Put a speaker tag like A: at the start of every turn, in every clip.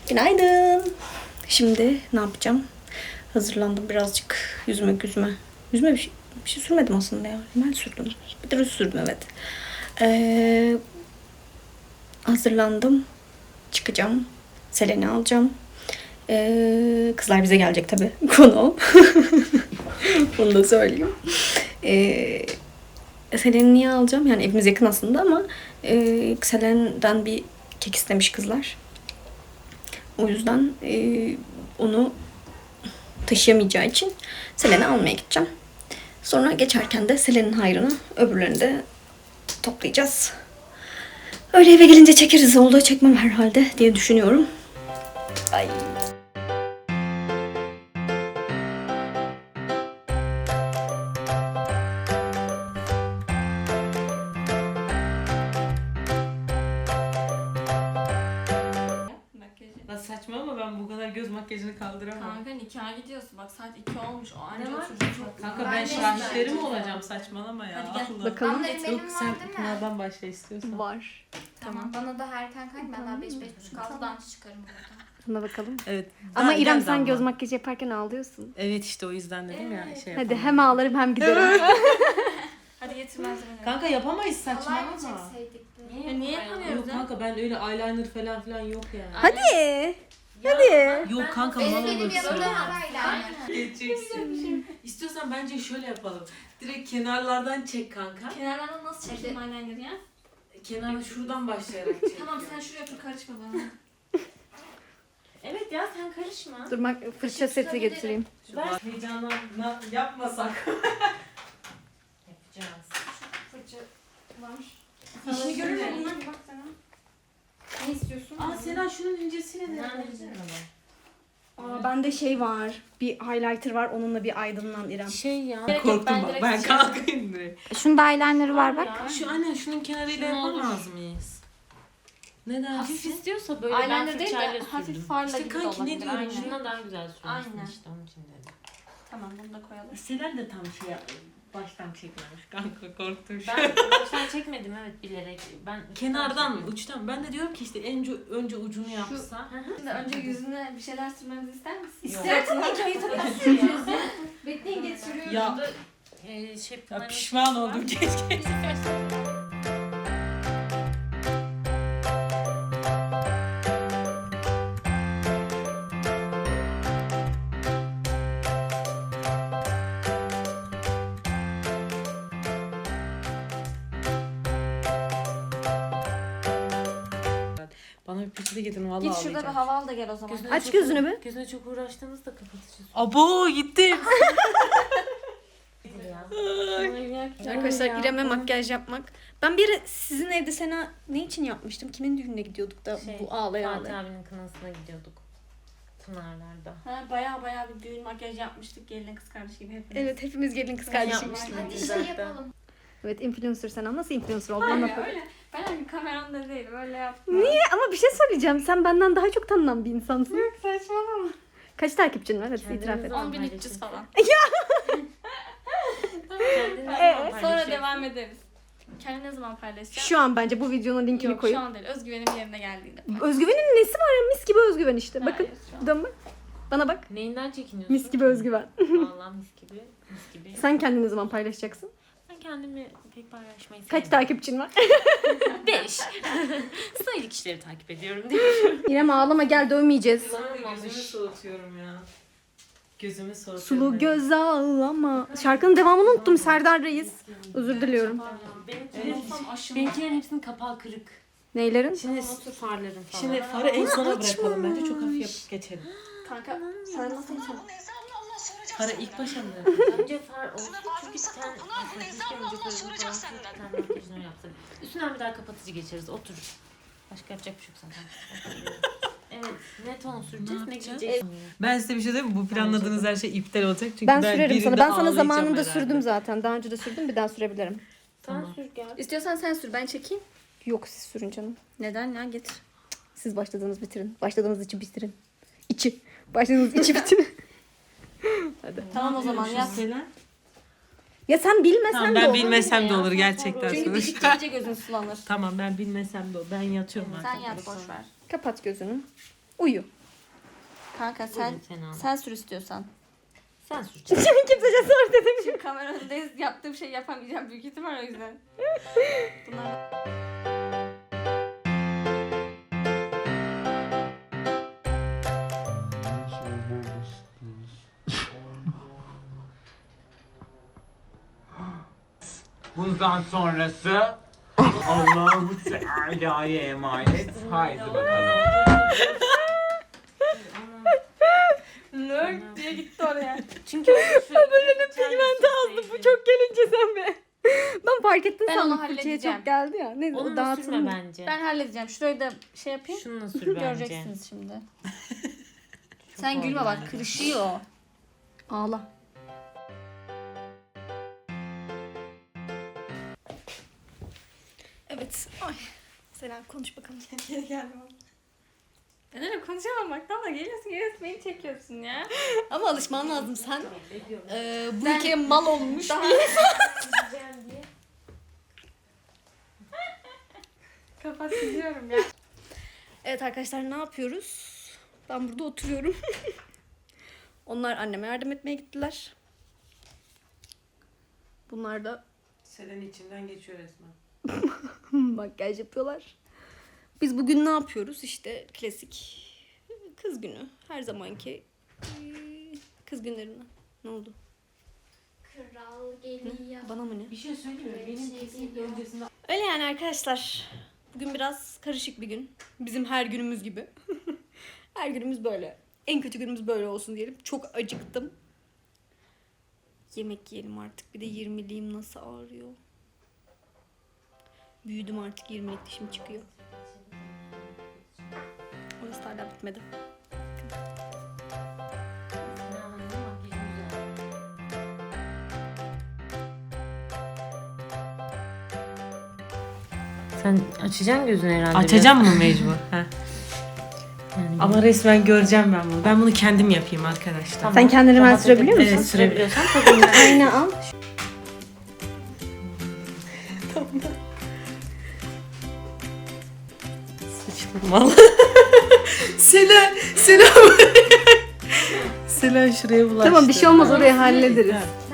A: Günaydın. Şimdi ne yapacağım? Hazırlandım birazcık yüzüme. Yüzüme bir şey sürmedim aslında ya. Ben sürdüm. Bir de ruj sürdüm, evet. Hazırlandım. Çıkacağım. Selen'i alacağım. Kızlar bize gelecek tabii. Konu. Bunu da söyleyeyim. Selen'i niye alacağım? Yani evimiz yakın aslında ama Selen'den bir kek istemiş kızlar. O yüzden onu taşıyamayacağı için Selen'i almaya gideceğim. Sonra geçerken de Selen'in hayrını öbürlerini de toplayacağız. Öyle eve gelince çekeriz. Olduğu çekmem herhalde diye düşünüyorum. Ay.
B: Saçma ama ben bu kadar göz makyajını kaldıramam.
C: Kanka nikaha gidiyorsun. Bak saat 2 olmuş. O anca
B: Ne var?
C: oturacak.
B: Kanka ben şahitleri mi olacağım, saçmalama ya.
C: Hadi gel.
B: Allah.
A: Bakalım.
D: Ama benim
B: Yok
D: var
B: sen
D: değil mi?
B: Pınar'dan başla istiyorsan.
A: Var.
D: Tamam. Bana da erken kalk. Ben daha 5-5.30-6'dan çıkarım buradan.
A: Buna bakalım.
B: Evet.
A: Ama İrem
B: gel
A: sen
B: damla.
A: göz makyajı yaparken ağlıyorsun.
B: Evet işte o yüzden dedim ya şey
A: Hadi
B: yapamam.
A: hem ağlarım hem giderim.
C: Hadi getir malzemeleri.
B: Kanka yapamayız
D: Kolay mı
B: saçmalama.
D: çekseydik de?
C: Ya niye yapamıyoruz
B: Yok
C: ya?
B: kanka ben öyle eyeliner falan filan yok yani.
A: Hadi. Hadi.
B: Yok kanka
D: Benim
B: mal
D: benim
B: olursun.
D: yanımda var eyeliner.
B: Geçeceksin. İstiyorsan bence şöyle yapalım. Direkt kenarlardan çek kanka.
C: Kenarlardan nasıl çekeyim eyeliner'ı ya?
B: Kenarı şuradan başlayarak çek.
C: Tamam sen şuraya otur karışma bana. Evet ya sen karışma.
A: Dur bak fırça seti getireyim.
B: Ben heyecanla yapmasak. Yapacağız.
C: Fırça var.
B: İşini görür
C: Sana-
B: müyüm?
C: Bak sana.
D: Ne istiyorsun?
B: Aa Sena şunun incesini ne?
A: Aa, bende şey var. Bir highlighter var. Onunla bir aydınlan İrem.
B: Şey ya.
C: Gerek yok,
B: Korktum
C: ben
B: bak.
C: direkt
B: Ben
C: şey
B: kalkayım direkt.
D: Şunda eyeliner'ı var bak.
C: Ya.
B: Şu anne şunun kenarıyla
C: Şunu
B: yapamaz mıyız? Ne
E: Hafif
B: dersin?
E: istiyorsa böyle
C: Eyeliner
E: ben
C: değil de
E: fırçayla
C: hafif
E: sürdüm.
C: farla
B: İşte
C: gibi
B: kanki, ne
C: olabilir.
B: diyorum
C: Aynen.
B: şimdi?
E: Şundan daha güzel sürmüşsün
C: Aynen.
E: işte onun için dedim.
C: Tamam bunu da koyalım.
B: Selen de tam şey baştan çekmemiş kanka korktum şu an.
E: Ben baştan çekmedim evet bilerek. Ben
B: Kenardan mı uçtan? Ben de diyorum ki işte önce ucunu yapsa.
C: Şimdi önce yüzüne bir şeyler sürmemizi ister misin?
A: İsterim
C: tabii ki. Hayır tabii ki. Bekleyin getiriyorum.
B: Ya
E: şey
B: Ya pişman oldum keşke. Bana bir peçete getirin vallahi
C: Git şurada bir
B: ağlayacağım.
C: hava al da gel o zaman.
A: Aç gözünü bir.
E: Gözüne çok uğraştığınızda kapatıcı.
B: Abo gitti.
A: Arkadaşlar İrem'e makyaj yapmak. Ben bir ara sizin evde Sena ne için yapmıştım? Kimin düğününe gidiyorduk da bu ağlaya
E: Fatih
A: ağlaya.
E: abinin kınasına gidiyorduk. Pınarlar'da.
C: Ha, baya bir düğün makyaj yapmıştık gelin kız kardeş gibi hepimiz.
A: Evet hepimiz gelin kız kardeşiymiştik.
D: Hadi şey yapalım.
A: Evet influencer Sena nasıl influencer oldun
C: Öyle
A: anlat.
C: öyle. Ben hani kameranın da değilim öyle yaptım.
A: Niye? Ama bir şey söyleyeceğim. Sen benden daha çok tanınan bir insansın.
C: Yok saçmalama.
A: Kaç takipçin var? Hadi
E: Kendiniz
A: itiraf et.
E: zaman
C: 10.300 falan. Sonra devam ederiz. Kendini ne zaman paylaşacağım?
A: Şu an bence bu videonun linkini
C: Yok şu
A: koyayım.
C: an değil. Özgüvenim yerine geldiğinde.
A: Özgüvenin nesi var ya? Mis gibi özgüven işte. Bakın.
C: Hayır, şu an.
A: Dön bak. Bana bak.
E: Neyinden çekiniyorsun?
A: Mis gibi özgüven.
E: Vallahi mis gibi. Mis gibi.
A: Sen kendini ne zaman paylaşacaksın?
E: Ben kendimi pek paylaşmayı
A: Kaç
E: sevmiyorum.
A: takipçin var?
E: 5. Sayılı kişileri takip ediyorum diye.
A: İrem ağlama gel dövmeyeceğiz.
B: Gözümü soğutuyorum ya. Gözümü soğutuyorum.
A: Sulu göz ağlama. Şarkının devamını unuttum Serdar Reis. Özür diliyorum.
E: Benimkilerin hepsinin kapağı kırık.
A: Neylerin?
E: Şimdi farların falan.
B: Şimdi farı en sona bırakalım bence çok hafif yapıp geçelim.
C: Kanka sen nasıl insan?
B: Farı ilk başa mı?
E: Önce far olsun çünkü ten makyajını öyle yapsak. Üstünden bir daha kapatıcı geçeriz. Otur. Başka yapacak bir şey yok zaten. Evet. Ne ton süreceğiz? Ne
B: yapacağız?
E: giyeceğiz?
B: Ben size bir şey diyeyim mi? Bu planladığınız her şey iptal olacak. Çünkü
A: Ben sürerim
B: birinde
A: sana. Ben sana
B: ağlayacağım
A: zamanında
B: herhalde.
A: sürdüm zaten. Daha önce de sürdüm. Bir daha sürebilirim.
E: Sen sür gel.
A: İstiyorsan sen sür. Ben çekeyim. Yok siz sürün canım.
C: Neden ya getir.
A: Siz başladığınız bitirin. Başladığınız içi bitirin. İçi. Başladığınız içi bitirin. Hadi.
C: Tamam o zaman yap.
B: Selen?
A: Ya sen bilmesen
B: Tamam
A: de
B: ben
A: olur.
B: bilmesem de
E: ya,
B: olur
E: sen
B: gerçekten.
E: sonra-
C: Çünkü diktikçe gözün sulanır.
B: Tamam ben bilmesem de olur. Ben yatıyorum
C: Sen
B: artık.
C: yat boş ver.
A: Kapat gözünü. Uyu.
C: Kanka sen sür istiyorsan.
E: Sen süreceksin.
A: Kimsece sor dedim.
C: Şimdi kamera önündeyiz. Yaptığım şey yapamayacağım büyük ihtimal o yüzden. Bunlar...
F: Bundan sonrası Allahu Teala'ya emanet. Haydi bakalım.
C: Nerd diye gitti oraya.
E: Çünkü böyle
A: Pigment aldım. Bu çok gelince sen be. Ben fark ettim
C: Ben
A: sandım.
C: onu
A: Fırçaya
C: halledeceğim.
A: çok geldi ya. Neyse o
E: onunla sürme
A: dağıtılır.
E: bence.
C: Ben halledeceğim. Şurayı da şey yapayım.
E: Şununla sür bence.
C: Göreceksiniz şimdi. Sen gülme bak kırışıyor.
A: Ağla. Evet. Ay. Selen konuş bakalım. Geri geldim.
C: Ben öyle konuşamamaktan da geliyorsun beni çekiyorsun ya.
A: Ama alışman lazım. Sen bu ülkeye mal olmuş
C: Daha-
A: bir
C: Kapat gidiyorum ya.
A: Evet arkadaşlar ne yapıyoruz? Ben burada oturuyorum. Onlar anneme yardım etmeye gittiler. Bunlar da
B: Selen içinden geçiyor resmen.
A: makyaj yapıyorlar. Biz bugün ne yapıyoruz? İşte klasik kız günü. Her zamanki kız günlerinden. Ne oldu?
D: Kral geliyor.
A: Bana mı ne?
B: Bir şey söyleyeyim mi? Benim kesinlikle öncesinde
A: Öyle yani arkadaşlar. Bugün biraz karışık bir gün. Bizim her günümüz gibi. Her günümüz böyle. En kötü günümüz böyle olsun diyelim. Çok acıktım. Yemek yiyelim artık. Bir de 20'liğim nasıl ağrıyor. Büyüdüm artık 20'lik dişim çıkıyor. Orası hala bitmedi.
E: Sen açacaksın gözünü herhalde.
B: açacağım mı mecbur? Heh.
E: Yani
B: Ama resmen göreceğim ben bunu. Ben bunu kendim yapayım arkadaşlar.
E: Tamam.
A: Sen kendini hemen
E: Rahat
A: sürebiliyor musun?
B: Evet,
E: sürebiliyorsan tabii.
A: Ayna al.
B: Sıçtım valla. Selen Selen şuraya bulaştı.
A: Tamam bir şey olmaz orayı hallederiz.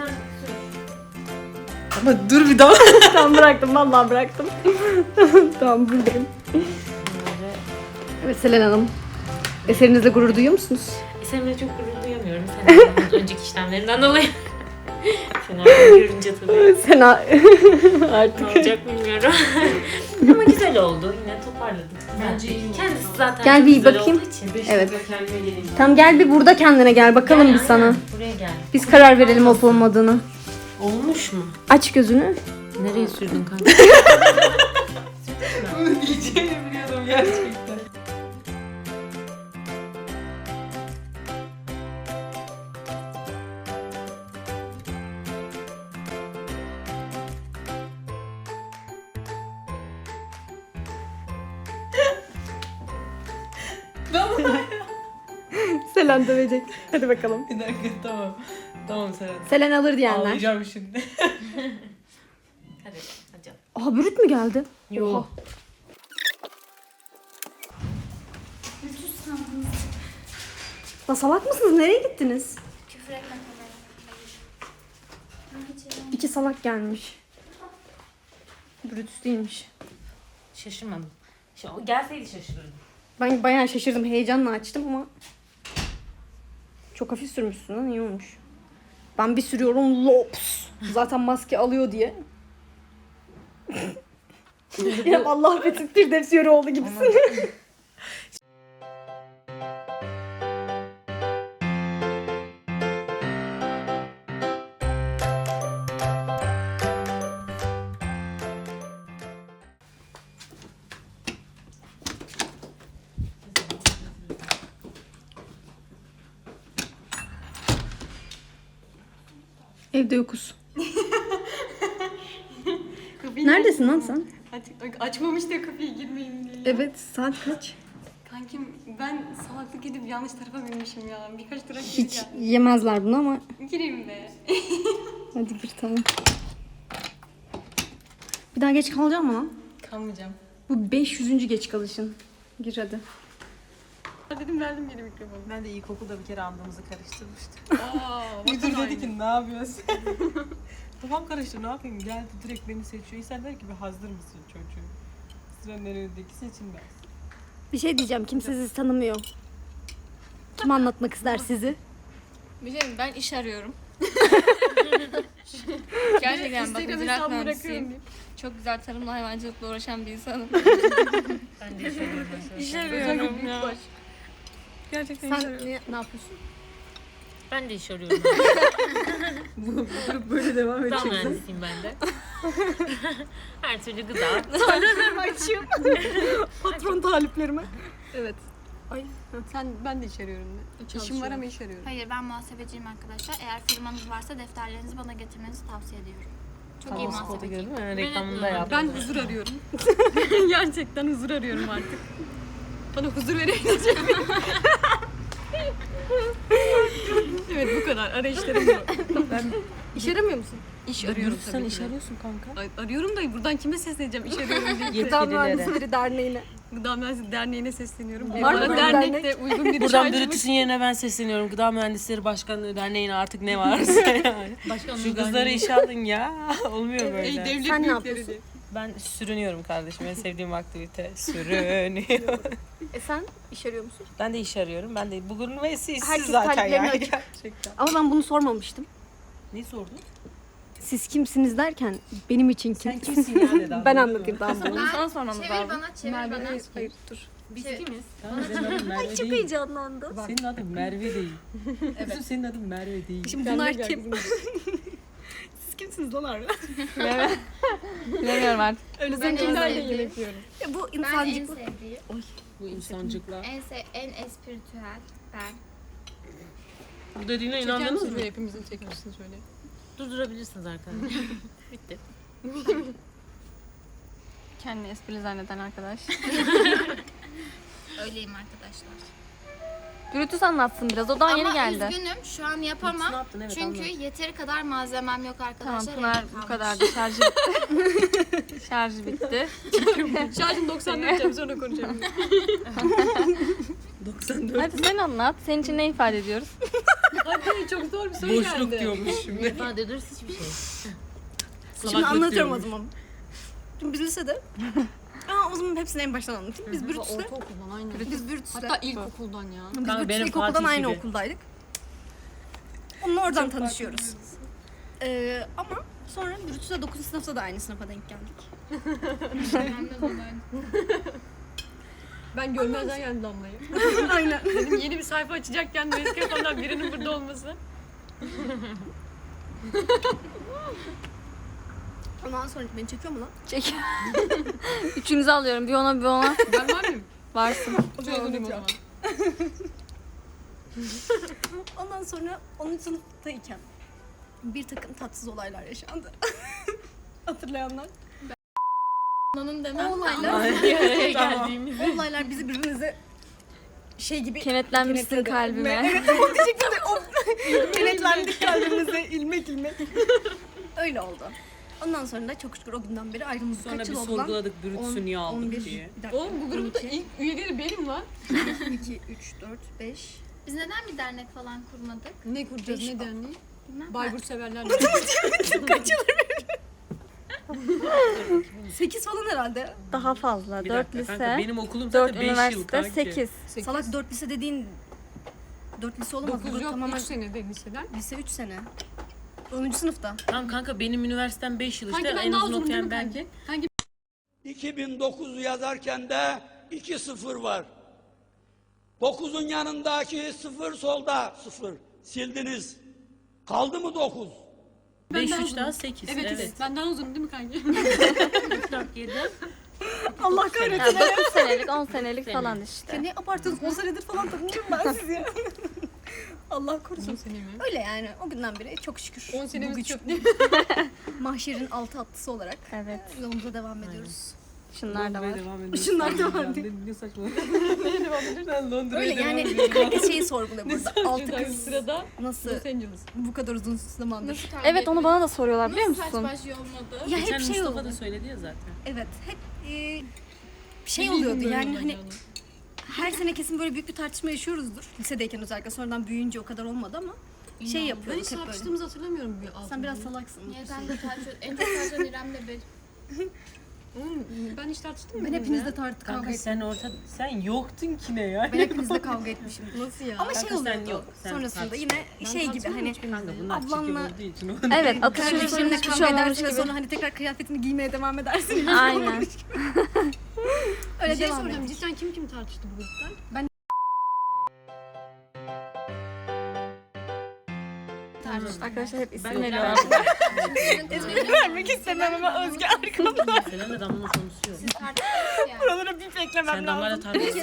B: Ama dur bir daha.
A: Tamam bıraktım vallahi bıraktım. Tamam buradayım. Evet Selen Hanım. Eserinizle gurur duyuyor musunuz?
E: Seninle çok gurur duyamıyorum. Senin önceki işlemlerinden dolayı. Seni görünce tabii
A: Sena
E: ne
A: artık.
E: olacak bilmiyorum. Ama güzel oldu. Yine toparladık.
B: Bence iyi.
E: Kendisi zaten
A: Gel
E: çok
A: bir
E: güzel
A: bakayım.
E: olduğu için.
A: Evet.
B: Kendime geleyim.
A: Tamam gel bir burada kendine gel bakalım
E: Gel,
A: bir sana.
E: aynen. Buraya gel.
A: Biz karar verelim olup olmadığını.
B: Olmuş mu?
A: Aç gözünü.
E: Nereye sürdün kanka?
B: Bunu diyeceğini biliyordum gerçekten.
A: Selen dövecek. Hadi bakalım.
B: Bir dakika tamam. Tamam Selen.
A: Selen alır diyenler.
B: Ağlayacağım şimdi.
E: Hadi. Hadi.
A: Aha bürüt mü geldi?
E: Yok.
A: Oha. La salak mısınız? Nereye gittiniz?
D: Küfür etme kameraya.
A: İki salak gelmiş. Brutus değilmiş.
E: Şaşırmadım. O gelseydi şaşırırdım.
A: Ben bayağı şaşırdım. Heyecanla açtım ama çok hafif sürmüşsün lan. İyi olmuş. Ben bir sürüyorum lops. Zaten maske alıyor diye. Yine Allah affetsin Firdevs Yöreoğlu gibisin. Evde yokuz. Neredesin lan sen?
G: Açmamış da kapıyı girmeyeyim diye.
A: Evet, saat kaç?
G: Kankim ben salaklık edip yanlış tarafa binmişim ya. Birkaç durak
A: Hiç
G: gireceğim.
A: yemezler bunu ama
G: Gireyim be.
A: hadi gir tamam. Bir daha geç kalacağım mı lan?
G: Kalmayacağım.
A: Bu 500. geç kalışın. Gir hadi.
G: Dedim verdim geri mikrofonu.
B: Ben de ilkokulda bir kere andığımızı karıştırmıştım.
G: Müdür
B: Müdür dedi ki ne yapıyorsun? Kafam karıştı ne yapayım? Geldi direkt beni seçiyor. İnsan der ki bir hazır mısın çocuğum? Sıranın önündeki seçilmez.
A: Bir şey diyeceğim. Kimse sizi tanımıyor. Kim anlatmak ister sizi?
C: Bir şey diyeyim, ben iş arıyorum. Gerçekten bakın ziraat mühendisiyim. Çok güzel tarımla hayvancılıkla uğraşan bir insanım.
E: Ben de iş arıyorum.
C: İş arıyorum ya. Gerçekten iş
A: Sen
C: arıyorum.
A: ne yapıyorsun?
E: Ben de iş arıyorum.
B: Böyle devam
E: Gıda
B: edecek.
E: mühendisiyim ben de. Her türlü gıda.
A: Açayım. Patron taliplerime. Evet.
G: Ben de iş arıyorum. İşim var ama iş arıyorum.
D: Hayır ben muhasebeciyim arkadaşlar. Eğer firmanız varsa defterlerinizi bana getirmenizi tavsiye ediyorum. Çok iyi muhasebeci.
B: Gördün mü? Reklamını da yaptım.
G: Ben huzur arıyorum. Gerçekten huzur arıyorum artık. Bana huzur verebilecek. Evet bu kadar. Arayışlarım bu.
A: İş aramıyor musun?
G: İş arıyorum tabii
B: Sen
G: ki
B: iş
G: de.
B: arıyorsun kanka.
G: Arıyorum da buradan kime sesleneceğim? İş arıyorum diye.
A: Gıda Mühendisleri Derneği'ne.
G: Gıda Mühendisleri Derneği'ne sesleniyorum.
A: Var mı
G: Bana
A: böyle
G: dernekte uygun bir iş
B: Buradan
G: harcamak-
B: Brutus'un yerine ben sesleniyorum. Gıda Mühendisleri Başkanlığı Derneği'ne artık ne varsa yani. Şu kızları işe alın ya. Olmuyor
G: Ey
B: böyle.
G: devlet
A: Sen ne
G: büyükleri
A: yapıyorsun?
G: diye.
B: Ben sürünüyorum kardeşim. En sevdiğim aktivite. Sürünüyorum.
A: Sen iş arıyor musun?
B: Ben de iş arıyorum. Ben de bugün ve işsiz
A: Herkes
B: zaten
A: taliplerini
B: yani.
A: açık.
B: Gerçekten.
A: Ama ben bunu sormamıştım.
B: Ne sordun?
A: Siz kimsiniz derken benim için kim?
B: Sen kimsin ya dedi.
A: Ben anlatayım tamam.
C: Bunu sana sormamız
D: Çevir
C: lazım.
D: bana, çevir bana.
A: Hayır dur.
E: Biz kimiz?
B: Senin adın Merve
A: Çok
B: değil.
A: heyecanlandım.
B: Senin adın Merve değil. Evet. Senin adın Merve değil.
A: Şimdi bunlar kim? Siz kimsiniz lan harbi?
C: Bilemiyorum artık.
G: Öyle
D: Ben
G: sen kimlerle
D: en
G: yemek
D: sevdiğim,
A: Ya bu
D: ben en
A: insancık.
D: sevdiğim,
B: Bu insancıklar.
D: en espiritüel ben.
B: Bu dediğine
G: Çeker
B: inandınız
G: misiniz
B: mı?
G: böyle hepimizin çekmişsiniz şöyle.
E: Durdurabilirsiniz arkadaşlar. Bitti.
C: Kendini esprili zanneden arkadaş.
D: Öyleyim arkadaşlar.
C: Brutus anlatsın biraz. O daha yeni
D: Ama
C: geldi.
D: üzgünüm şu an
B: Ne
D: yapamam.
B: yaptın? Evet,
D: Çünkü
B: anlat.
D: yeteri kadar malzemem yok
C: Tamam
D: arkadaşlar.
C: Pınar
D: elim
C: bu
D: kalmış.
C: kadardı. Şarjı bitti. Şarjı bitti.
G: Şarjım 94 sonra konuşalım.
B: 94.
C: Hadi sen anlat. Senin için ne ifade ediyoruz?
G: Hadi çok zor bir soru
B: Boşluk
G: geldi.
B: diyormuş şimdi.
E: İfade ediyoruz hiçbir şey.
A: Şimdi
B: Salaklık
A: anlatıyorum o
B: diyormuş.
A: zaman. Şimdi biz lisede. O zaman hepsini en baştan anlatayım. Biz Brutus'ta.
G: Ortaokuldan aynen.
A: Biz Brutus'ta.
G: Hatta ilkokuldan ya.
A: Biz
B: Kanka,
A: Brutus'ta
B: benim
A: ilkokuldan
B: Fatih
A: aynı
B: gibi.
A: okuldaydık. Onunla oradan tanışıyoruz. Ama sonra Brutus'ta 9. sınıfta da aynı sınıfa denk geldik.
D: Anladım ben.
G: Ben görmezden geldim Damla'yı.
A: Aynen.
G: Dedim yeni bir sayfa açacakken de eski yapanlar birinin burada olması.
A: Ondan sonra beni çekiyor mu lan?
C: Çek. Üçünüzü alıyorum. Bir ona bir ona.
G: Ben var mıyım?
C: Varsın.
G: Şöyle durayım o zaman.
A: Ondan sonra 10. sınıftayken bir takım tatsız olaylar yaşandı. Hatırlayanlar.
D: Onun demem.
E: Bir araya geldiğimiz.
A: O olaylar bizi birbirimize şey gibi
C: Kenetlenmişsin
A: kenetledi.
C: kalbime.
A: Evet, o diyecektim de o kenetlendik kalbimize ilmek ilmek. Öyle oldu. Ondan sonra da çok şükür o günden beri ayrılmıştık.
B: Sonra
A: Kaç
B: bir
A: yıl oldu lan?
B: sorguladık Brutus'u niye aldık
A: 11,
B: diye.
A: bir dakika.
G: Oğlum bu grupta
A: 12,
G: ilk üyeleri benim lan.
A: 2, 3, 4, 5.
D: Biz neden bir dernek falan kurmadık?
G: Ne kuracağız ne derneği?
D: Bilmem.
G: Bayburt severler.
A: Kaç yıl 8 falan herhalde.
C: Daha fazla.
B: Bir
C: 4
B: dakika kanka,
C: lise,
B: benim okulum
C: 4
B: zaten 5 yıl
C: üniversite,
B: kanki.
C: 8.
A: Salak 4 lise dediğin 4 lise olamaz.
G: 9
A: Bu
G: yok
A: tamamen
G: 3 senede liseden.
A: lise 3 sene. 10. sınıfta.
B: Tamam kanka benim üniversitem 5 yıl işte
G: Kanki ben
B: en
G: daha
B: uzun
G: uzun değil mi
B: okuyan
G: kanki?
B: belki.
H: 2009 yazarken de 2-0 var. 9'un yanındaki 0 solda 0. Sildiniz. Kaldı mı 9?
B: 5
G: daha
B: 3
G: uzun.
B: daha 8.
G: Evet evet. Ben daha uzunum değil mi kanki?
B: 4 7.
A: Allah kahretsin.
C: Yani 9 senelik, 10 senelik falan işte.
A: Ne abartıyorsunuz? 10 senedir falan tanıyorum ben sizi. Allah korusun.
G: 10 sene mi?
A: Öyle yani o günden beri çok şükür
G: 10
A: bu
G: senemiz
A: güç
G: çok.
A: mahşerin altı atlısı olarak
C: Evet.
A: yolumuza devam ediyoruz.
C: Şunlar da var.
A: Şunlar da var diye.
B: Ne saçma. Neye devam ediyorsun? Ben Londra'ya
A: Öyle
B: devam
A: yani
B: ediyorum.
A: herkes şeyi sorguluyor burada. Altı
G: Şuradan
A: kız
G: sırada
A: nasıl
G: Los Angeles.
A: bu kadar uzun zamandır.
D: Nasıl kavga
C: Evet onu bana da soruyorlar biliyor
D: Nasıl
C: musun?
D: saç baş yolmadı?
A: Ya
B: Geçen
A: hep şey
B: Mustafa
A: oldu.
B: da söyledi ya zaten.
A: Evet hep şey oluyordu yani hani her sene kesin böyle büyük bir tartışma yaşıyoruzdur. Lisedeyken özellikle, sonradan büyüyünce o kadar olmadı ama şey
G: Ben
A: yapıyoruz
G: hiç
A: hep böyle.
G: tartıştığımızı hatırlamıyorum bir altında.
A: Sen biraz salaksın.
D: Niye sen de tartışıyorsun? En çok tartışan İrem'le ben.
G: Oğlum, ben hiç tartıştım mı?
A: Ben hepinizle kavga
B: Kanka
A: ettim.
B: sen yoktun ki ne ya?
A: Ben hepinizle kavga etmişim.
G: Nasıl ya?
A: Ama
B: Kanka
A: şey
B: sen
A: oluyordu.
B: yok, sen
A: Sonrasında
B: tartış.
A: yine şey gibi hani
B: Kanka bunlar
A: ablanla-
B: çirkin olduğu için o.
C: Evet, atışıyorsunuz
A: kardeşimle
C: hiçbir
A: kavga
C: şey olmamış
A: edersin ve
C: gibi.
A: sonra hani tekrar kıyafetini giymeye devam edersin.
C: Aynen.
A: Öyle
G: Bir şey
A: devam
G: soracağım.
A: ediyor.
G: Cidden kim tartıştı bu gruptan?
C: Arkadaşlar hep isim
B: Ben
C: veriyor.
D: Vermek
A: istemem ama Özge
E: Senin de damlanın konusu yok.
D: yani.
A: Buralara bir beklemem
E: Sen damlayla tartışıyorsun.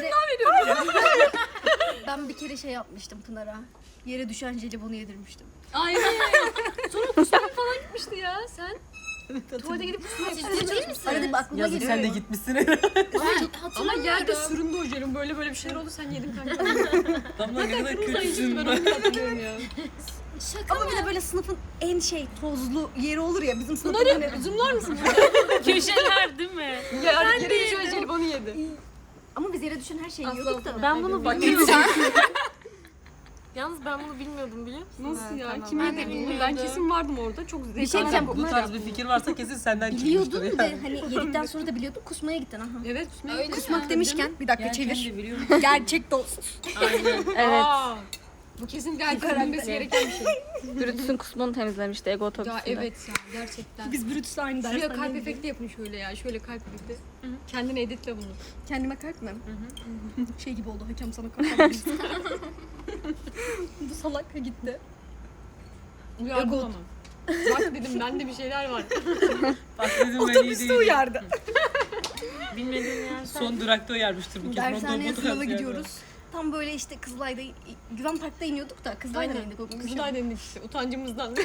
A: Ben bir kere şey yapmıştım Pınar'a. Yere düşen jelibonu yedirmiştim.
G: Ay. Sonra kusmaya falan gitmişti ya sen. Tuvalete gidip kusmaya
D: Ciddi misin?
A: Arada bir aklıma
B: Yazık
A: geliyor.
B: sen de gitmişsin herhalde.
G: Ama yerde süründü o jelibon. Böyle bir şeyler oldu sen yedin kanka.
B: Damla ne kadar
G: Kırmızı ayıcıktı
B: kötüsün
G: ben
B: ben.
G: onu da hatırlıyorum ya.
D: Şaka
A: Ama bir de böyle sınıfın en şey tozlu yeri olur ya bizim sınıfın
G: Bunları
A: hani.
G: zoomlar mısın?
E: Köşeler değil mi?
G: Ya yere düşen jelibonu yedi.
A: Ama biz yere düşen her şeyi yiyorduk da.
C: Ben bunu bilmiyordum. Yalnız ben bunu bilmiyordum biliyor musun?
G: Nasıl ya?
C: Tamam.
G: Kim
D: Ben de
G: yedi bunu?
D: bilmiyordum.
G: Ben kesin vardım orada. Çok zevkli.
A: Bir şey diyeceğim.
B: Bu tarz bir fikir varsa kesin senden çıkmıştır
A: Biliyordun
B: ya.
A: ve hani yedikten sonra da biliyordun kusmaya gittin aha.
G: Evet kusmaya
D: Öyle
G: gittim.
A: Kusmak demişken bir dakika
B: Gerçekten de
A: çevir.
B: biliyorum.
A: Gerçek dost.
E: Aynen.
C: Evet.
G: Aa, bu kesinlikle herkesin bilmesi gereken bir şey.
C: Brutus'un kusmunu temizlemişti Ego otobüsünde.
G: Ya evet ya gerçekten.
A: Biz Brutus'la aynı
G: Şuraya
A: dersten
G: kalp efekti yapın şöyle ya. Şöyle kalp efekti. Kendine editle bunu.
A: Kendime kalp mi? Şey gibi oldu hakem sana kalp. Bu salak gitti.
G: Uyardım ama. Bak dedim bende bir şeyler var.
B: Bak dedim ben iyi
A: Otobüste
B: değilim.
A: uyardı.
E: Bilmediğin yer sen.
B: Son durakta uyarmıştır bu kez.
A: Dershaneye
B: Ondan
A: sınava
B: bu tarz
A: gidiyoruz. Tam böyle işte Kızılay'da, Güven Park'ta iniyorduk da Kızılay'da
G: Aynen.
A: indik o gün.
G: Kızılay dendik işte utancımızdan.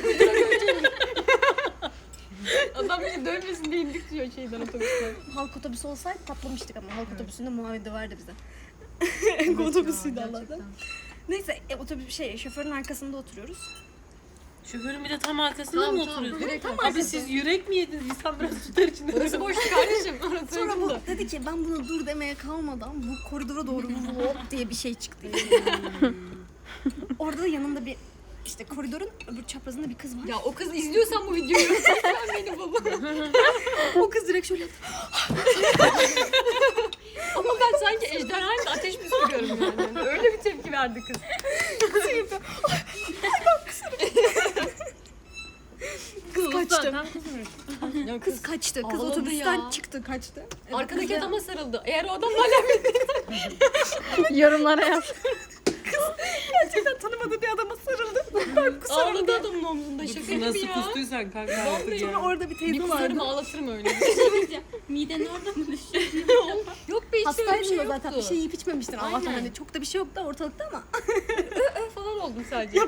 G: Adam bizi dövmesin diye indik diyor şeyden otobüsten.
A: Halk otobüsü olsaydı patlamıştık ama halk otobüsünde muavin döverdi bize.
G: Evet
A: otobüsüydü
G: ya,
A: Allah'tan.
G: gerçekten.
A: Neyse otobüs şoförün arkasında oturuyoruz.
E: Şoförün bir de tam arkasında mı oturuyorsun?
G: Direkt
B: Abi siz yürek mi yediniz? İnsan biraz tutar içinde.
G: Orası boştu kardeşim. Orası
A: Sonra bu
G: ucunda.
A: dedi ki ben bunu dur demeye kalmadan bu koridora doğru hop diye bir şey çıktı. Orada da yanımda bir işte koridorun öbür çaprazında bir kız var.
G: Ya o kız izliyorsan bu videoyu sen beni baba.
A: O kız direkt şöyle
G: Ama ben sanki ejderhayla ateş püskürüyorum yani. Öyle bir tepki verdi kız.
A: kız kaçtı.
E: Zaten kızmış.
G: Ya
A: Kız kaçtı. Kız
G: ağladı
A: otobüsten
G: ya.
A: çıktı kaçtı.
G: Arkadaki
A: kız da-
G: adama sarıldı. Eğer o adamla alakalı
C: Yorumlara yaz.
A: gerçekten tanımadığı bir adama sarıldı.
G: ağladı adamın omzunda şaka gibi
B: Nasıl
G: ya.
B: kustuysan kanka artık
A: Sonra
B: ya.
A: orada bir
G: Bir
A: teyze
G: kusarım
A: vardı.
G: ağlatırım öyle.
D: Miden orada mı düşüyor?
G: Yok be hiç öyle bir
A: Hastaydın
G: şey
A: da
G: yoktu.
A: zaten bir şey yiyip içmemiştin Allah'tan
G: Aynen.
A: hani çok da bir şey yoktu ortalıkta ama.
G: falan oldum sadece.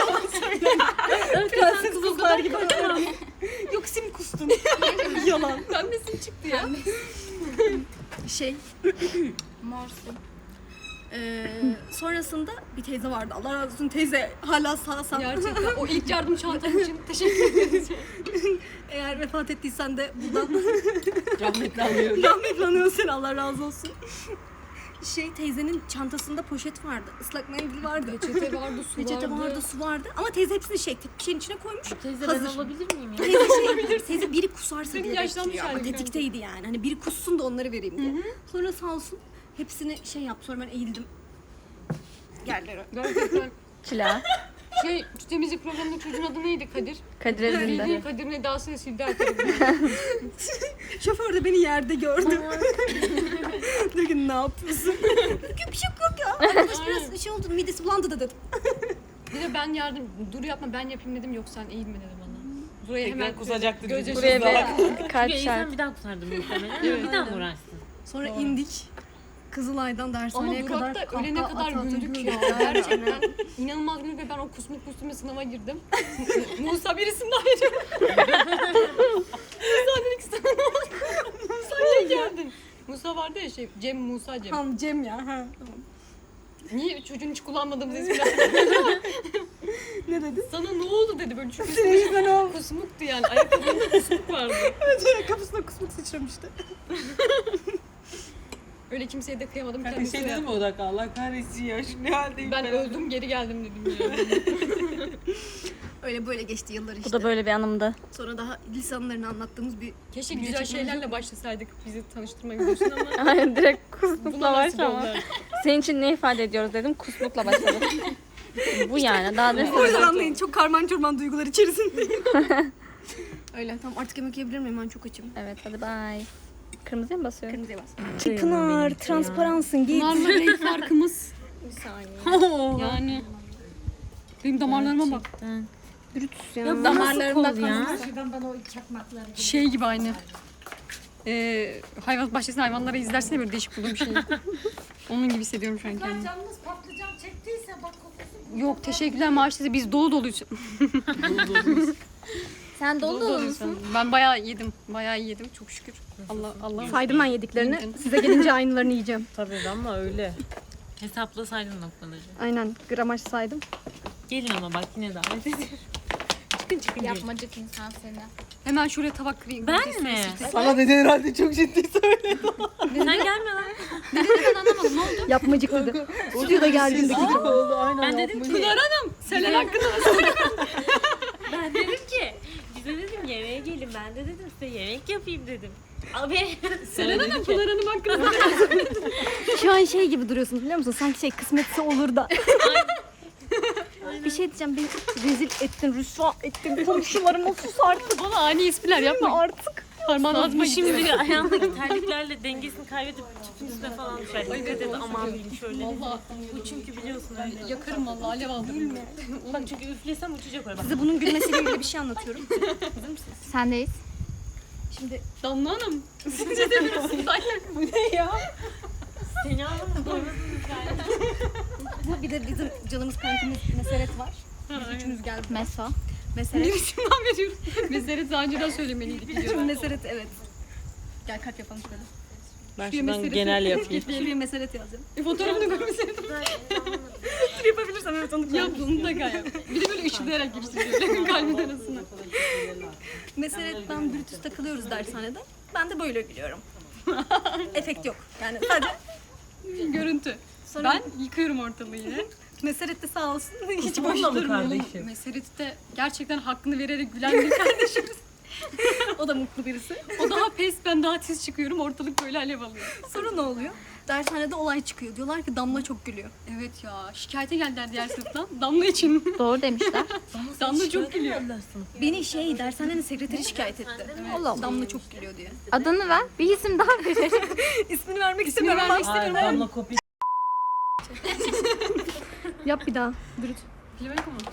A: Prenses kızlar gibi. Yok sim kustun. Yalan.
G: Pembesin çıktı ya.
A: Şey.
D: Morsun.
A: Sonrasında bir teyze vardı. Allah razı olsun teyze hala sağ.
G: Gerçekten o ilk yardım çantam için teşekkür ederiz.
A: Eğer vefat ettiysen de buradan
B: Rahmetli alıyorum.
A: rahmetle anıyoruz seni Allah razı olsun. Şey teyzenin çantasında poşet vardı. Islak mendil vardı.
G: Peçete vardı, su
A: Peçete vardı, su vardı. Ama teyze hepsini tek bir şeyin içine koymuş.
E: Teyze ben
A: Hazır.
E: olabilir miyim ya?
A: Teyze biri kusarsa
G: Senin
A: diye
G: yaşlanmış
A: bekliyor ama
G: halin
A: tetikteydi yani. Hani biri kussun da onları vereyim diye. Sonra sağ olsun hepsini şey yaptı. Sonra ben eğildim. Yerlere.
G: Gerçekten.
C: Çila.
G: Şey, şu temizlik programında çocuğun adı neydi Kadir?
C: Kadir Ezinde.
G: Bildiğin Kadir'in edasıyla sildi her tarafı.
A: Şoför de beni yerde gördü. Dedi ki ne yapıyorsun? Bir şey yok ya. Arkadaş biraz şey oldu midesi bulandı da dedim.
G: Bir de ben yardım, dur yapma ben yapayım dedim yok sen eğilme dedi bana. Buraya
B: Tekrar
G: hemen
B: kusacaktı.
G: gözyaşı
C: Buraya
G: Buraya
C: bir kalp
E: Çünkü
C: şart.
E: insan bir daha kusardım muhtemelen. Bir daha mı uğraşsın?
A: Sonra indik. Kızılay'dan
G: Ama
A: dershaneye kadar
G: durakta ölene
A: kahkaha
G: kadar
A: ata ata
G: güldük ya.
A: güldük.
G: Gerçekten inanılmaz güldük ve ben o kusmuk kusmuğu sınava girdim. Musa birisinin ayrı. Musa dedik sana ne oldu? Musa niye geldin? Musa vardı ya şey, Cem Musa Cem.
A: Tamam Cem ya. Ha.
G: Niye çocuğun hiç kullanmadığımız ismini
A: Ne dedi?
G: Sana ne oldu dedi böyle çünkü
A: Senin yüzünden o.
G: kusmuktu yani ayakkabında kusmuk vardı.
A: Evet, kafasına kusmuk sıçramıştı.
G: Öyle kimseye de kıyamadım
B: Kanka
G: kendisine.
B: şey dedim mi o dakika Allah kahretsin ya şu ne haldeyim
G: Ben öldüm geri geldim dedim ya.
A: Öyle böyle geçti yıllar işte.
C: Bu da böyle bir anımdı.
A: Sonra daha lise anılarını anlattığımız bir
G: Keşke
A: video
G: güzel
A: çekmemiz
G: şeylerle başlasaydık bizi tanıştırma videosuna ama
C: Aynen direkt
G: buna
C: kusmukla
G: nasip
C: başlama.
G: oldu.
C: Senin için ne ifade ediyoruz dedim. Kusmukla başladım. Bu yani. Daha ne
A: O yüzden anlayın çok karman çorman duygular içerisindeyim. Öyle tamam artık yemek yiyebilir miyim? Ben çok açım.
C: Evet hadi bye. Kırmızıya mı basıyorum?
A: Kırmızıya bas.
C: Pınar transparansın git.
G: Pınar'la renk farkımız.
A: Bir saniye.
G: Yani. Benim damarlarıma bak.
A: Brutus ya.
C: Damarlarımda ya.
G: Şey gibi aynı. Hayvan bahçesinde hayvanları izlersene böyle değişik bulduğum şeyi. Onun gibi hissediyorum şu an kendimi.
E: Canınız patlıcan çektiyse bak kokusu.
G: Yok teşekkürler maaşlı biz dolu doluyuz.
C: Sen dolu dolu musun?
G: Ben bayağı yedim. Bayağı iyi yedim çok şükür. Allah
A: Saydım ben yediklerini.
G: Yedin.
A: Size gelince aynılarını yiyeceğim.
B: Tabii ama öyle.
E: Hesaplasaydın noktaları.
A: Aynen gramaj saydım.
E: Gelin ama bak yine davet ediyorum. Çıkın çıkın gelin.
D: Yapmacık insan seni.
G: Hemen şuraya tabak kırayım.
E: Ben mi?
B: Sana dedi herhalde çok ciddi söyle.
E: Sen gelme lan.
G: Ben anlamadım ne oldu?
A: Yapmacık dedi. Stüdyoda geldiğinde
B: Gıcık oldu aynen.
E: Ben dedim ki,
G: Pınar Hanım. Selen hakkında
E: ben dedim ki bize dedim yemeğe gelin. Ben de dedim size yemek yapayım dedim. Abi.
G: Selen Hanım Pınar Hanım hakkında.
A: Şu an şey gibi duruyorsunuz biliyor musun? Sanki şey kısmetse olur da. Bir şey diyeceğim beni rezil ettin, rüsva ettin, komşularıma sus artık.
G: Bana ani espriler yapma.
A: Artık.
G: Parmağın ağzıma
E: Bu
G: gitti.
E: şimdi ayağındaki terliklerle dengesini kaybedip tüpün üstüne falan düşer. Dikkat et aman diyeyim şöyle.
G: Vallahi
E: Bu çünkü biliyorsun öyle.
G: yakarım vallahi alev aldım.
E: Bak çünkü üflesem uçacak oraya. Bak.
A: Size bunun gülmesiyle ilgili bir şey anlatıyorum.
D: Sendeyiz.
A: Şimdi
G: Damla Hanım. Siz ne demiyorsunuz?
B: Bu ne ya?
E: Seni anlamadım. Doymadın
A: bu bir de bizim canımız kankimiz Meseret var. Biz üçümüz geldik.
D: Meso.
A: Meseret.
G: Neresinden veriyoruz? Mezeret daha önceden söylemeliydik.
A: Şimdi Meseret evet. Gel kalp yapalım şöyle.
B: Ben
G: Şuraya
B: şuradan
G: mesele-
B: genel yapayım.
A: Şuraya Meseret yazacağım.
G: Fotoğrafını görmeseydim.
A: Dur yapabilirsem evet onu
G: Yap bunu da gayet. Bir de böyle ışıklayarak giriştiriyor. Kalbin arasına.
A: Meseret'ten Brutus takılıyoruz dershanede. Ben de böyle gülüyorum. Efekt yok. Yani sadece
G: Görüntü.
A: sonra
G: Ben yıkıyorum ortalığı yine.
A: Meseret de sağ olsun hiç boş
B: Bununla mı
A: durmuyor.
B: kardeşim?
G: Meseret'te gerçekten hakkını vererek gülen bir kardeşimiz.
A: O da mutlu birisi.
G: O daha pes, ben daha tiz çıkıyorum. Ortalık böyle alev alıyor.
A: Sonra ne oluyor? Dershanede olay çıkıyor. Diyorlar ki Damla çok gülüyor.
G: Evet ya, şikayete geldiler diğer sınıftan. Damla için.
C: Doğru demişler.
G: Damla çok gülüyor.
A: Beni dershanenin sekreteri şikayet etti. Damla çok gülüyor diye.
C: Adını ver. Bir isim daha verelim.
A: İsmini vermek istemiyorum.
G: vermek
A: ama
G: istemiyorum.
B: Damla kopya.
A: Yap bir daha. Brut.
G: Bilemedik ama.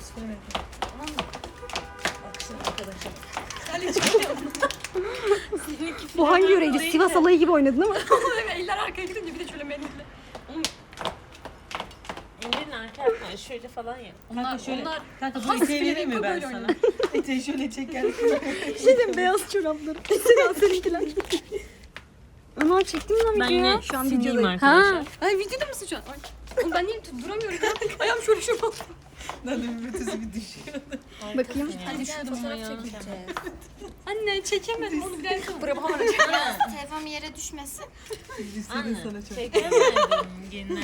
A: Bu hangi yöreydi? Sivas alayı gibi oynadın ama.
G: Eller arkaya gidince bir de şöyle mendille.
E: ellerini arka yapma. Şöyle falan yap.
G: Onlar,
B: şöyle-
G: onlar
B: Kanka
G: Has
B: bu eteği
G: bile
B: vereyim mi
G: yok,
B: ben
G: böyle
B: sana?
G: oynuyor.
B: Eteği şöyle çeker.
A: Şeyden beyaz çorapları. Mesela seninkiler. Ama çektim lan
E: Ben
A: videoyu.
E: yine
A: Şu an
E: sileyim
A: videodayım.
E: arkadaşlar.
G: Ay videoda mısın şu an? Ay. Oğlum ben niye duramıyorum ya? Ayağım şöyle şöyle oldu.
B: Lan bir ötesi bir düşüyor.
A: Bakayım.
D: Hadi gel fotoğraf çekeceğiz.
G: Anne çekemedim onu bir daha yapalım.
D: Telefonum yere düşmesin.
B: İstedin sana çok.
E: Çekemedim gene.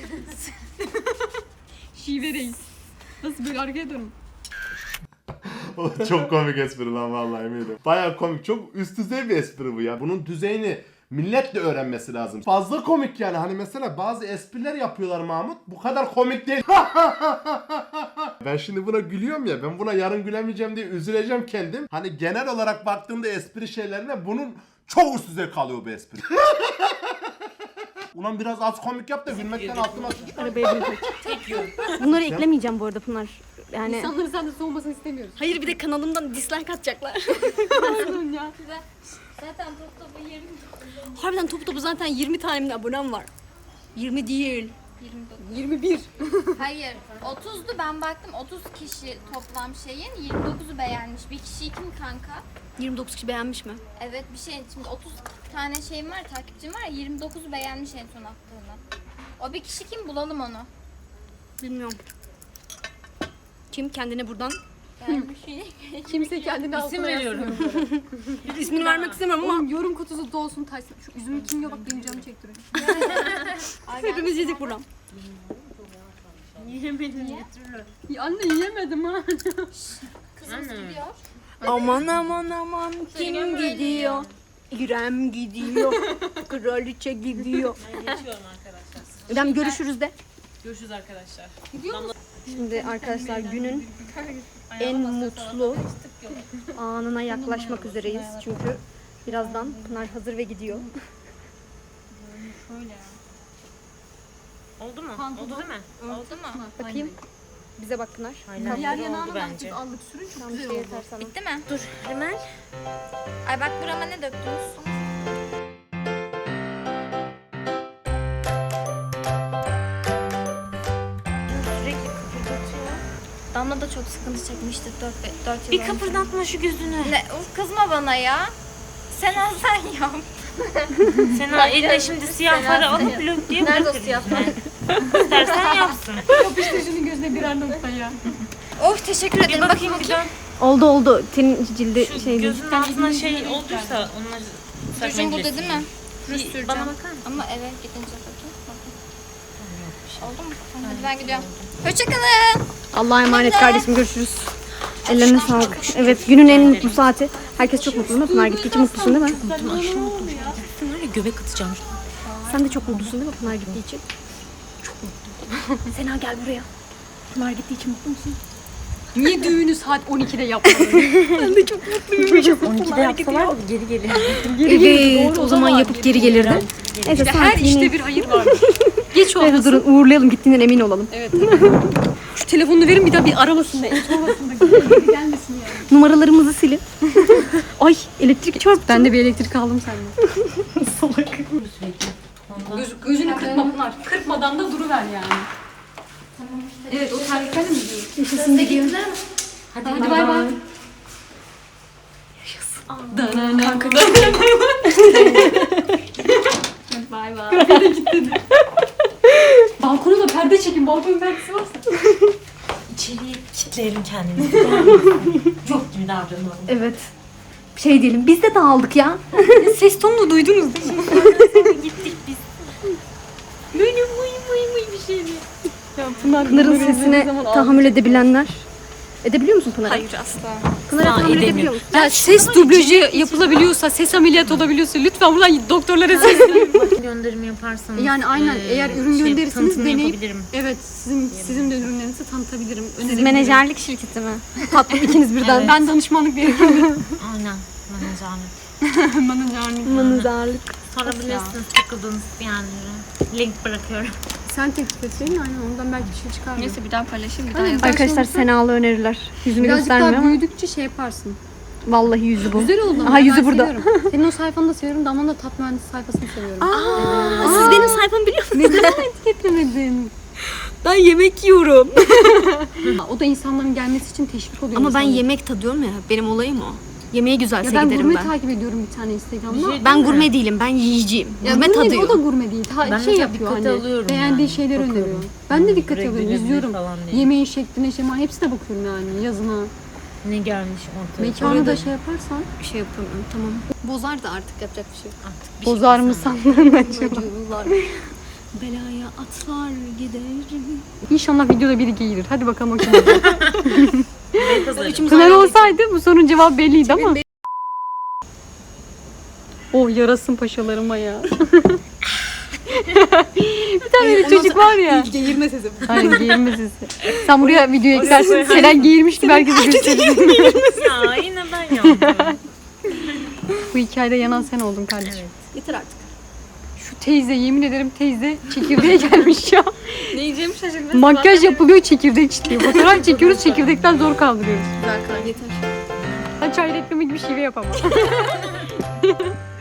G: Şive reis. Nasıl böyle arkaya dönün?
I: Çok komik espri lan vallahi eminim. Baya komik. Çok üst düzey bir espri bu ya. Bunun düzeyini millet de öğrenmesi lazım. Fazla komik yani. Hani mesela bazı espriler yapıyorlar Mahmut. Bu kadar komik değil. Ben şimdi buna gülüyorum ya. Ben buna yarın gülemeyeceğim diye üzüleceğim kendim. Hani genel olarak baktığımda espri şeylerine bunun çok üst düzey kalıyor bu espri. Ulan biraz az komik yap da gülmekten altıma sıçma.
A: Arabaya bindik. Bunları eklemeyeceğim bu arada Pınar. Yani
G: İnsanların sen de soğumasını istemiyoruz.
A: hayır bir de kanalımdan dislike atacaklar.
G: Pardon ya.
D: Zaten top topu 20.
A: Harbiden topu zaten 20 tane abonem var. 20 değil.
G: 21.
D: Hayır 30'du ben baktım 30 kişi toplam şeyin 29'u beğenmiş. Bir kişi kim kanka?
A: 29 kişi beğenmiş mi?
D: Evet bir şey şimdi 30 tane şeyim var takipçim var ya 29'u beğenmiş en son attığını. O bir kişi kim bulalım onu.
A: Bilmiyorum. Kim kendine buradan
D: Yani bir şey.
G: Kimse kendini
E: İsim
G: altına
E: veriyorum.
G: İsmini vermek istemiyorum ama yorum kutusu dolsun taşsın. Şu üzümü kim yiyor bak benim canımı çektiriyor. Hepimiz yedik buradan.
E: Yiyemedim götürürüm.
G: Ya anne yiyemedim ha.
D: Kızımız gidiyor.
A: Aman aman aman kim gidiyor? İrem gidiyor. Kraliçe gidiyor.
E: Ben geçiyorum arkadaşlar.
A: İrem görüşürüz de.
E: Görüşürüz arkadaşlar.
A: Şimdi arkadaşlar günün en mutlu anına yaklaşmak üzereyiz. Çünkü birazdan Pınar hazır ve gidiyor.
E: Oldu mu? Oldu değil mi?
D: Oldu mu?
A: Bakayım. Bize bak Pınar.
E: Aynen.
G: Diğer
E: Oldu
G: yanağına
E: bence.
G: bence allık sürün çok
A: Tam
G: güzel
A: şey
G: oldu.
A: yeter sana.
D: Bitti mi?
E: Dur hemen.
D: Ay bak burama ne döktünüz?
E: Sürekli kıpırdatıyor.
D: Damla da çok sıkıntı çekmişti 4 yıl
E: Bir
D: önce.
E: kıpırdatma şu gözünü.
D: Ne? Uf, kızma bana ya. Sen al sen yap.
E: Sen eline şimdi siyah para alıp lök diye
D: Nerede o
E: bırakır
D: siyah
E: yüzüne. İstersen yapsın.
G: Yapıştır şunun gözüne birer nokta ya.
D: Oh teşekkür ederim.
E: Bir bakayım bir dön.
A: Oldu oldu. Senin cildi
E: Şu
A: şey
E: gözünün altına şey olduysa onları
D: Rujun burada değil mi? Ruj
E: Bir
D: süreceğim.
E: bana bakar mısın?
D: Ama eve gidince bakayım. Oldu mu? Tamam, hadi ben gidiyorum. Hoşçakalın.
A: Allah'a emanet kardeşim, görüşürüz. Ellerine sağlık. Evet, günün en mutlu saati. Herkes çok mutlu değil mi? Pınar gittiği için mutlusun değil mi?
E: Var ya göbek atacağım.
A: Sen de çok mutlusun değil mi Pınar gittiği için? Çok mutlu. Sena gel buraya. Pınar gittiği için mutlu musun?
G: Niye düğünü saat 12'de yapmadın?
A: Ben de çok mutluyum.
E: 12'de yapsalar da geri gelir.
A: Evet, o zaman yapıp geri gelirdi. Neyse,
G: Her
A: saat
G: işte
A: yine...
G: bir hayır var. Geç
A: Neyse,
G: olmasın.
A: durun uğurlayalım, gittiğinden emin olalım.
G: Evet. Şu telefonunu verin bir daha bir aramasın da. Sormasın da. Geri gelmesin yani.
A: Numaralarımızı silin. Ay, elektrik çarptı.
G: Ben de bir elektrik aldım senden.
A: Salak.
G: Gözünü kırpma Pınar. Kırpmadan da duruver yani. Evet o terliklerle mi gidiyorsun?
A: Yaşasın gidiyor.
G: Hadi bay bay. Kanka. Bay bay. Balkona da perde çekin. Balkonun perdesi varsa.
E: İçeriye kilitleyelim kendimizi. Yok gibi davranalım.
A: Evet. Şey diyelim, biz de dağıldık ya.
G: Ses tonunu duydunuz değil mi?
E: Gittik biz.
G: Böyle mıy bir şeydi. Ya
A: Pınar'ın sesine tahammül edebilenler. Edebiliyor musun Pınar'ı?
G: Hayır asla.
A: Pınar'a tahammül edebiliyor
E: edemiyorum.
A: musun?
G: Ya ses dublajı yapılabiliyorsa, ses ameliyatı olabiliyorsa lütfen buradan doktorlara seslenin.
E: Gönderimi yaparsanız.
G: Yani aynen, eğer ürün gönderirseniz
E: tanıtımını
G: deneyip-
E: yapabilirim.
G: Evet, sizin de ürünlerinizi tanıtabilirim.
A: Siz
G: önerebilirim.
A: menajerlik şirketi mi? Tatlım ikiniz birden.
G: Ben danışmanlık veriyorum.
E: Aynen. Menajerlik.
G: Menajerlik.
A: Manızarlık.
E: Sorabilirsiniz takıldığınız yerlere. Link bırakıyorum.
G: Sen teklif etseydin aynen ondan belki bir şey çıkar.
C: Neyse bir daha paylaşayım bir daha
G: Aynen,
C: yazarım.
A: Arkadaşlar Senalı öneriler. Yüzünü
G: birazcık
A: göstermiyor
G: daha
A: ama
G: büyüdükçe şey yaparsın.
A: vallahi yüzü bu.
G: Güzel oldu ama
A: Aha, yüzü
G: ben
A: burada.
G: seviyorum. Senin o sayfanı da seviyorum. Damla'nın da tat mühendisi sayfasını seviyorum.
A: Siz benim sayfamı biliyor musunuz?
G: Neden etiketlemedin?
A: Ben yemek yiyorum.
G: O da insanların gelmesi için teşvik oluyor.
A: Ama ben
G: insanlara.
A: yemek tadıyorum ya. Benim olayım o. Yemeğe güzelse
G: Ya ben
A: giderim
G: gurme
A: ben.
G: takip ediyorum bir tane Instagram'da.
A: Ben gurme değilim. Ben yiyeceğim. Gurme
G: O da
A: tadıyor.
G: gurme değil.
E: Ben
G: Şey
E: mesela
G: yapıyor
E: dikkate
G: hani.
E: alıyorum
G: Beğendiği
E: yani,
G: şeyler
E: bakıyorum.
G: öneriyor. Ben de dikkat
E: Buraya
G: alıyorum,
E: girebilir
G: izliyorum.
E: falan diye.
G: Yemeğin şekline, şema hepsine bakıyorum yani yazına.
E: Ne gelmiş ortaya.
G: Mekanı da şey yaparsan.
A: Bir şey yapamıyorum. Tamam.
G: Bozar da artık yapacak bir şey yok.
E: Artık bir şey
G: Bozar mı
E: desem.
G: sandın acaba?
A: Belaya atlar giderim.
G: İnşallah videoda biri gelir. Hadi bakalım o kim?
E: Ben hazırım.
G: Pınar olsaydı bu sorunun cevabı belliydi ama. Oh yarasın paşalarıma ya. Bir tane de çocuk var ya.
A: Geğirme sesi.
G: Aynen giyirme sesi. Sen buraya video eklersin. Selen giyirmişti belki de gösterirsin.
E: Ya yine ben yandım.
G: Bu hikayede yanan sen oldun kardeşim.
A: Yeter artık.
G: Şu teyze yemin ederim teyze çekirdeğe gelmiş ya.
C: Ne yiyeceğimi şaşırdım.
G: Makyaj yapılıyor çekirdek çitliyor. Fotoğraf çekiyoruz çekirdekten zor kaldırıyoruz.
A: Güzel kal yeter.
G: Ha çay reklamı gibi şive yapamam.